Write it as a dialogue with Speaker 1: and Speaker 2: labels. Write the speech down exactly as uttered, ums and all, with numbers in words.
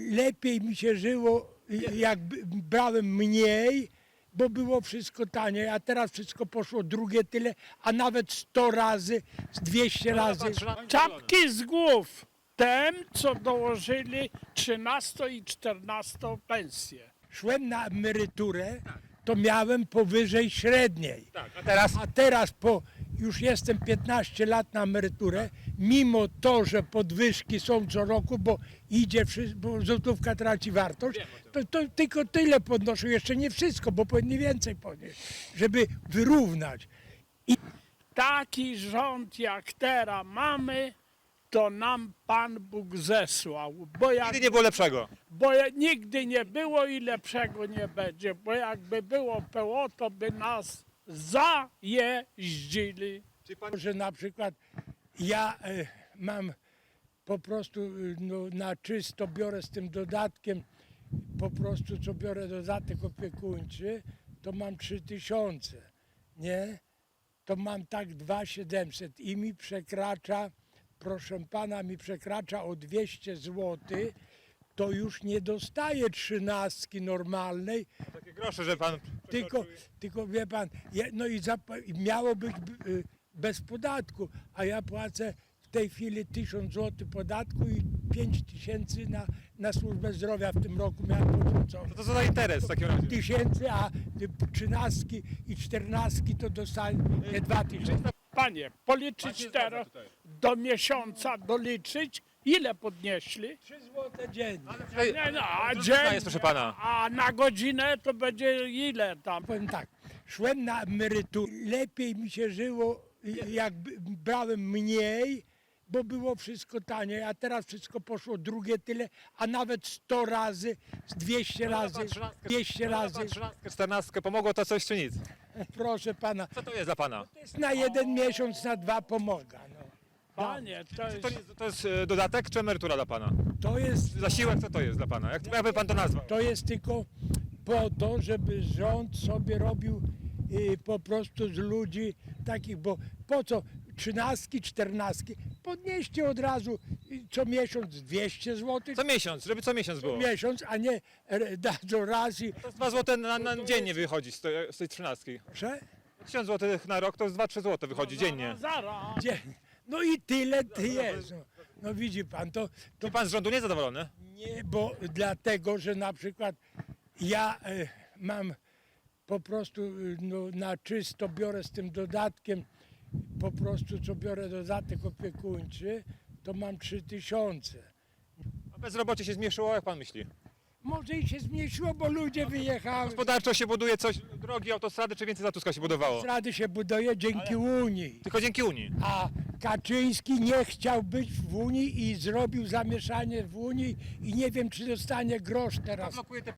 Speaker 1: lepiej mi się żyło, jak b- brałem mniej, bo było wszystko taniej, a teraz wszystko poszło drugie tyle, a nawet sto razy, z dwieście razy.
Speaker 2: Czapki z głów tym, co dołożyli trzynastą i czternastą pensję.
Speaker 1: Szłem na emeryturę, to miałem powyżej średniej.
Speaker 3: Tak, a teraz?
Speaker 1: A teraz po, już jestem piętnaście lat na emeryturę, mimo to, że podwyżki są co roku, bo idzie, wszy- bo złotówka traci wartość, to, to tylko tyle podnoszą, jeszcze nie wszystko, bo powinni więcej podnieść, żeby wyrównać.
Speaker 2: Taki rząd jak teraz mamy, to nam Pan Bóg zesłał. Bo, jak,
Speaker 3: Nigdy nie było lepszego.
Speaker 2: bo ja- nigdy nie było i lepszego nie będzie. Bo jakby było P O, to by nas zajeździli.
Speaker 1: Że na przykład ja e, mam po prostu e, no, na czysto biorę z tym dodatkiem, po prostu co biorę dodatek opiekuńczy, to mam trzy tysiące, nie? To mam tak dwa tysiące siedemset i mi przekracza, proszę pana, mi przekracza o dwieście złotych, to już nie dostaję trzynastki normalnej,
Speaker 3: Takie grosze, że pan...
Speaker 1: tylko, tylko wie pan, je- no i zap- i miało być b- y, bez podatku, a ja płacę w tej chwili tysiąc złotych podatku i pięć tysięcy na, na służbę zdrowia w tym roku miałem potrącone.
Speaker 3: To co za interes w takim razie?
Speaker 1: Tysięcy, a y, trzynastki i czternastki to dostaję dwa tysiące.
Speaker 2: Panie, policzyć teraz do miesiąca, doliczyć, ile podnieśli?
Speaker 1: trzy złote dziennie.
Speaker 2: Nie, no, a,
Speaker 3: To
Speaker 2: dzień,
Speaker 3: różnica jest, proszę pana.
Speaker 2: a na godzinę to będzie ile tam?
Speaker 1: Powiem tak, szłem na emeryturę, lepiej mi się żyło, jak b- brałem mniej, bo było wszystko taniej, a teraz wszystko poszło drugie tyle, a nawet sto razy, z dwieście razy, dwieście razy.
Speaker 3: trzynastkę, czternastkę, pomogło to coś czy nic?
Speaker 1: Proszę pana,
Speaker 3: Co to jest dla pana?
Speaker 1: to jest na jeden miesiąc, na dwa pomaga. No.
Speaker 2: Panie, to jest...
Speaker 3: To, nie, to jest e, dodatek czy emerytura dla pana?
Speaker 1: To jest,
Speaker 3: Zasiłek co to jest dla pana? Jak, jakby pan to nazwał?
Speaker 1: to jest tylko po to, żeby rząd sobie robił y, po prostu z ludzi takich, bo po co trzynastki, czternastki, podnieście od razu y, co miesiąc dwieście złotych.
Speaker 3: Co miesiąc, żeby co miesiąc było.
Speaker 1: miesiąc, a nie e, dadzą raz i...
Speaker 3: To jest dwa złote na, na dziennie wychodzi z tej, z tej trzynastki.
Speaker 1: Proszę?
Speaker 3: tysiąc złotych na rok to jest dwa trzy złote wychodzi dziennie.
Speaker 2: Zaraz.
Speaker 1: Gdzie? No i tyle ty jest. No, no widzi pan, to, to
Speaker 3: Czy pan z rządu nie zadowolony?
Speaker 1: nie, bo dlatego, że na przykład ja e, mam po prostu e, no, na czysto biorę z tym dodatkiem, po prostu co biorę dodatek opiekuńczy, to mam trzy tysiące.
Speaker 3: A bezrobocie się zmniejszyło, jak pan myśli?
Speaker 1: Może i się zmniejszyło, bo ludzie wyjechały.
Speaker 3: Gospodarczo się buduje coś, drogi, autostrady, czy więcej za Tuska się budowało?
Speaker 1: Rady się buduje dzięki Unii.
Speaker 3: Tylko dzięki Unii.
Speaker 1: A Kaczyński nie chciał być w Unii i zrobił zamieszanie w Unii i nie wiem, czy dostanie grosz teraz.
Speaker 3: Blokuje te